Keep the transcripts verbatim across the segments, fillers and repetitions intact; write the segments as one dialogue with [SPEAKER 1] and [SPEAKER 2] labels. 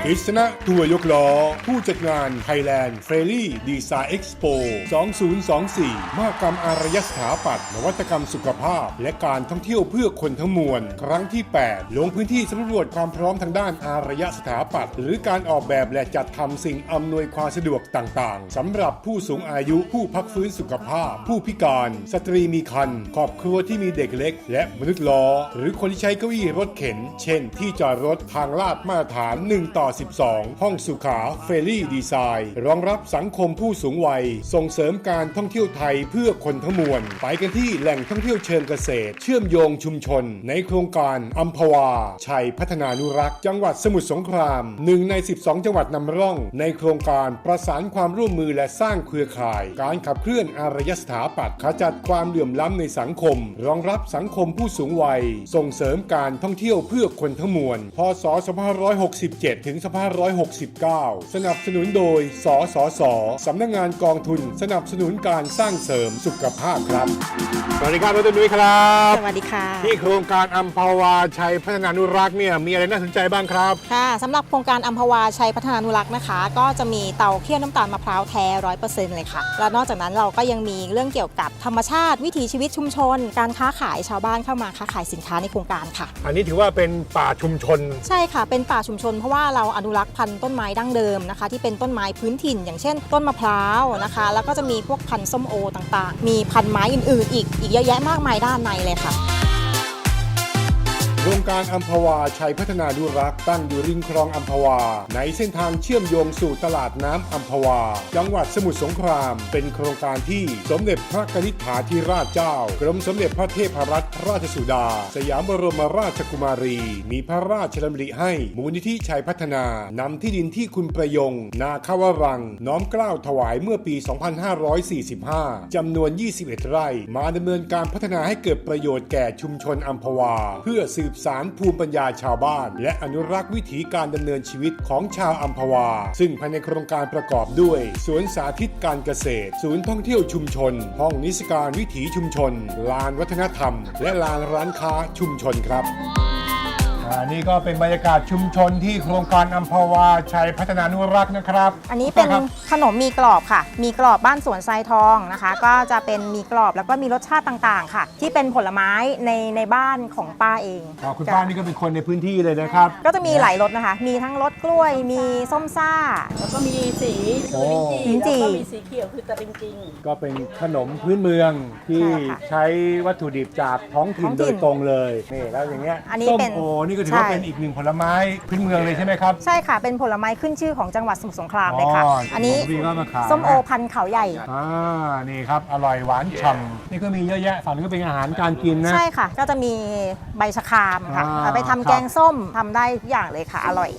[SPEAKER 1] กฤษณะทัวร์ยกล้อผู้จัดงาน Thailand Ferry Design Expo สองพันยี่สิบสี่ มหกรรมอารยสถาปัตย์นวัตกรรมสุขภาพและการท่องเที่ยวเพื่อคนทั้งมวลครั้งที่ แปด ลงพื้นที่สำรวจความพร้อมทางด้านอารยสถาปัตย์หรือการออกแบบและจัดทำสิ่งอำนวยความสะดวกต่างๆสำหรับผู้สูงอายุผู้พักฟื้นสุขภาพผู้พิการสตรีมีครรภ์ครอบครัวที่มีเด็กเล็กและมนุษย์ล้อหรือคนที่ใช้เก้าอี้รถเข็นเช่นที่จอดรถทางลาดมาตรฐานหนึ่งต่อสิบสองห้องสุขาเฟรลี่ดีไซน์รองรับสังคมผู้สูงวัยส่งเสริมการท่องเที่ยวไทยเพื่อคนทั้งมวลไปกันที่แหล่งท่องเที่ยวเชิงเกษตรเชื่อมโยงชุมชนในโครงการอัมพวาชัยพัฒนานุรักษ์จังหวัดสมุทรสงครามหนึ่งในสิบสองจังหวัดนำร่องในโครงการประสานความร่วมมือและสร้างเครือข่ายการขับเคลื่อนอารยสถาปัตย์ขจัดความเหลื่อมล้ำในสังคมรองรับสังคมผู้สูงวัยส่งเสริมการท่องเที่ยวเพื่อคนทั้งมวลพ.ศ. สองพันห้าร้อยหกสิบเจ็ด ถึง สองพันห้าร้อยหกสิบเก้า สนับสนุนโดยสสส.สำนักงานกองทุนสนับสนุนการสร้างเสริมสุขภาพครับสวัสดีครับดร.นุ้ยครับ
[SPEAKER 2] สวัสดีค่ะ
[SPEAKER 1] ที่โครงการอัมพวาชัยพัฒนานุรักษ์เนี่ยมีอะไรน่าสนใจบ้างครับ
[SPEAKER 2] ค่ะสำหรับโครงการอัมพวาชัยพัฒนานุรักษ์นะคะก็จะมีเตาเคี่ยวน้ำตาลมะพร้าวแท้ ร้อยเปอร์เซ็นต์ เลยค่ะแล้วนอกจากนั้นเราก็ยังมีเรื่องเกี่ยวกับธรรมชาติวิถีชีวิตชุมชนการค้าขายชาวบ้านเข้ามาค้าขายสินค้าในโครงการค่ะ
[SPEAKER 1] อันนี้ถือว่าเป็นป่าชุมชน
[SPEAKER 2] ใช่ค่ะเป็นป่าชุมชนเพราะว่าเราอนุรักษ์พันธุ์ต้นไม้ดั้งเดิมนะคะที่เป็นต้นไม้พื้นถิ่นอย่างเช่นต้นมะพร้าวนะคะแล้วก็จะมีพวกพันธุ์ส้มโอต่างๆมีพันธุ์ไม้อื่นๆอีกอีกเยอะแยะมากมายด้านในเลยค่ะ
[SPEAKER 1] โครงการอัมพวาชัยพัฒนานุรักษ์ตั้งอยู่ริมคลองอัมพวาในเส้นทางเชื่อมโยงสู่ตลาดน้ำอัมพวาจังหวัดสมุทรสงครามเป็นโครงการที่สมเด็จพระนิธิฐาธิราชเจ้ากรมสมเด็จพระเทพรัตนราชสุดาสยามบรมราชกุมารีมีพระราชดำริให้มูลนิธิชัยพัฒนานำที่ดินที่คุณประยงนาคาวรังน้อมเกล้าถวายเมื่อปี สองพันห้าร้อยสี่สิบห้า จำนวน ยี่สิบเอ็ด ไร่มาดำเนินการพัฒนาให้เกิดประโยชน์แก่ชุมชนอัมพวาเพื่อสืบสานภูมิปัญญาชาวบ้านและอนุรักษ์วิถีการดำเนินชีวิตของชาวอัมพวาซึ่งภายในโครงการประกอบด้วยสวนสาธิตการเกษตรศูนย์ท่องเที่ยวชุมชนห้องนิทรรศการวิถีชุมชนลานวัฒนธรรมและลานร้านค้าชุมชนครับอันนี้ก็เป็นบรรยากาศชุมชนที่โครงการอัมพวาชัยพัฒนานุรักษ์นะครับ
[SPEAKER 2] อันนี้เป็นขนมมีกรอบค่ะมีกรอบบ้านสวนทรายทองนะคะก็จะเป็นมีกรอบแล้วก็มีรสชาติต่างๆค่ะที่เป็นผลไม้ในในบ้านของป้าเอง
[SPEAKER 1] อ๋อคุณป้านี่ก็เป็นคนในพื้นที่เลยนะครับ
[SPEAKER 2] ก็จะมีหลายรสนะคะมีทั้งรสกล้วยมีส้มซ่า
[SPEAKER 3] แล้วก็มีสีลิ้นจี่แล้วก็มีสีเขียวคือตะลิงจริง
[SPEAKER 1] ก็เป็นขนมพื้นเมืองที่ใช้วัตถุดิบจากท้องถิ่นโดยตรงเลยนี่แล้วอย่างเงี้ยส้มโอนี่ก็ถือว่าเป็นอีกหนึ่งผลไม้พื้นเมืองเลยใช่ไหมครับ
[SPEAKER 2] ใช่ค่ะเป็นผลไม้ขึ้นชื่อของจังหวัดสมุทรสงครามเลยค่ะอันนี้ส้มโอพันธุ์เขาใหญ่
[SPEAKER 1] อ่านี่ครับอร่อยหวานฉ่ำนี่ก็มีเยอะแยะฝั่งนี้ก็เป็นอาหารการกินนะ
[SPEAKER 2] ใช่ค่ะก็จะมีใบชะครามค่ะไปทำแกงส้มทำได้ทุกอย่างเลยค่ะอร่อย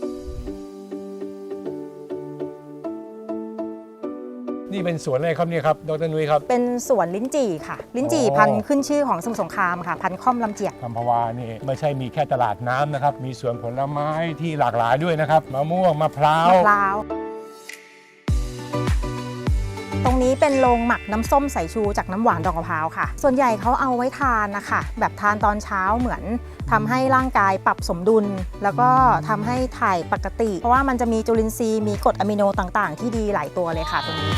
[SPEAKER 1] นี่เป็นสวนอะไรครับเนี่ยครับดร.นุ้ยครับ
[SPEAKER 2] เป็นสวนลิ้นจี่ค่ะลิ้นจี่พันธุ์ขึ้นชื่อของสมุทรสงครามค่ะพันธุ์ค่อมลำเจียก
[SPEAKER 1] อัมพวานี่ไม่ใช่มีแค่ตลาดน้ำนะครับมีสวนผลไม้ที่หลากหลายด้วยนะครับมะม่วงมะพร้าว
[SPEAKER 2] มะพร้าวตรงนี้เป็นโรงหมักน้ำส้มสายชูจากน้ำหวานดอกมะพร้าวค่ะส่วนใหญ่เขาเอาไว้ทานนะคะแบบทานตอนเช้าเหมือนทำให้ร่างกายปรับสมดุลแล้วก็ทำให้ถ่ายปกติเพราะว่ามันจะมีจุลินทรีย์มีกรดอะมิโนต่างๆที่ดีหลายตัวเลยค่ะตรงนี้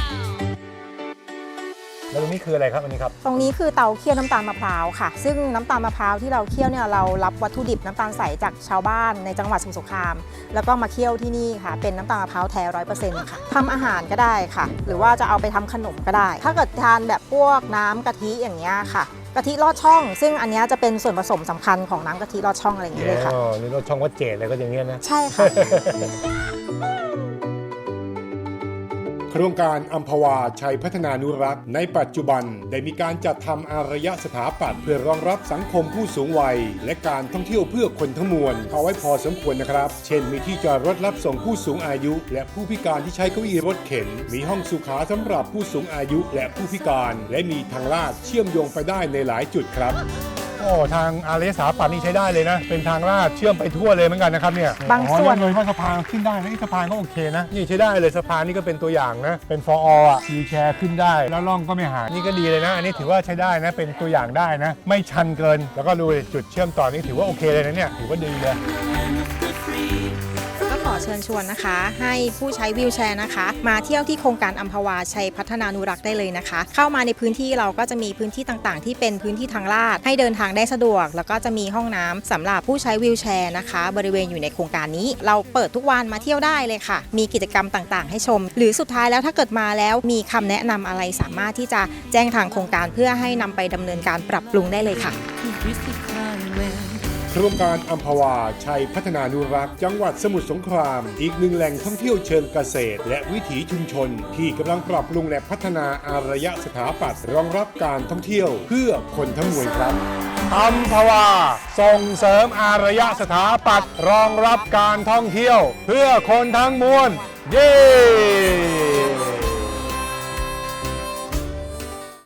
[SPEAKER 1] แล้วตรงนี้คืออะไรครับอันนี้ครับ
[SPEAKER 2] ตรงนี้คือเตาเคี่ยวน้ำตาลมะพร้าวค่ะซึ่งน้ำตาลมะพร้าวที่เราเคี่ยวเนี่ยเรารับวัตถุดิบน้ำตาลใสจากชาวบ้านในจังหวัดสมุทรสงครามแล้วก็มาเคี่ยวที่นี่ค่ะเป็นน้ำตาลมะพร้าวแท้ ร้อยเปอร์เซ็นต์ ค่ะทำอาหารก็ได้ค่ะหรือว่าจะเอาไปทำขนมก็ได้ถ้าเกิดทานแบบพวกน้ำกะทิอย่างเงี้ยค่ะกะทิลอดช่องซึ่งอันนี้จะเป็นส่วนผสมสำคัญของน้ำกะทิลอดช่องอะไรอย่างเงี้ยเลยค่ะ
[SPEAKER 1] อ๋อนี่ลอดช่องวัดเจดอะไรก็อย่างเงี้ยนะ
[SPEAKER 2] ใช่ค่ะ
[SPEAKER 1] โครงการอัมพวาชัยพัฒนานุรักษ์ในปัจจุบันได้มีการจัดทำอารยสถาปัตย์เพื่อรองรับสังคมผู้สูงวัยและการท่องเที่ยวเพื่อคนทั้งมวลเอาไว้พอสมควรนะครับเช่นมีที่จอดรถรับส่งผู้สูงอายุและผู้พิการที่ใช้เก้าอี้รถเข็นมีห้องสุขาสำหรับผู้สูงอายุและผู้พิการและมีทางลาดเชื่อมโยงไปได้ในหลายจุดครับโอ้ทางอารยสถาปัตย์นี่ใช้ได้เลยนะเป็นทางลาดเชื่อมไปทั่วเลยเหมือนกันนะครับเนี่ย
[SPEAKER 2] บางส่วน
[SPEAKER 1] เลยว่าสะพานขึ้นได้นะสะพานก็โอเคนะนี่ใช้ได้เลยสะพานนี่ก็เป็นตัวอย่างนะเป็นฟอร์อ่ะวีลแชร์ขึ้นได้แล้วล่องก็ไม่หายนี่ก็ดีเลยนะอันนี้ถือว่าใช้ได้นะเป็นตัวอย่างได้นะไม่ชันเกินแล้วก็ดูจุดเชื่อมต่อนี่ถือว่าโอเคเลยนะเนี่ยถือว่าดีเลย
[SPEAKER 2] ก็ขอเชิญชวนนะคะ ให้ผู้ใช้วีลแชร์นะคะ มาเที่ยวที่โครงการอัมพวาชัยพัฒนานุรักษ์ได้เลยนะคะ เข้ามาในพื้นที่เราก็จะมีพื้นที่ต่างๆ ที่เป็นพื้นที่ทางลาดให้เดินทางได้สะดวก แล้วก็จะมีห้องน้ำสำหรับผู้ใช้วีลแชร์นะคะ บริเวณอยู่ในโครงการนี้ เราเปิดทุกวันมาเที่ยวได้เลยค่ะ มีกิจกรรมต่างๆ ให้ชม หรือสุดท้ายแล้วถ้าเกิดมาแล้วมีคำแนะนำอะไรสามารถที่จะแจ้งทางโครงการเพื่อให้นำไปดำเนินการปรับปรุงได้เลยค่ะ
[SPEAKER 1] โครงการอัมพวาชัยพัฒนานุรักษ์จังหวัดสมุทรสงคราม อีกหนึ่งแหล่งท่องเที่ยวเชิงเกษตร และวิถีชุมชน ที่กำลังปรับปรุงและพัฒนาอารยสถาปัตย์รองรับการท่องเที่ยวเพื่อคนทั้งมวลครับอัมพวาส่งเสริมอารยสถาปัตย์รองรับการท่องเที่ยวเพื่อคนทั้งมวลเย้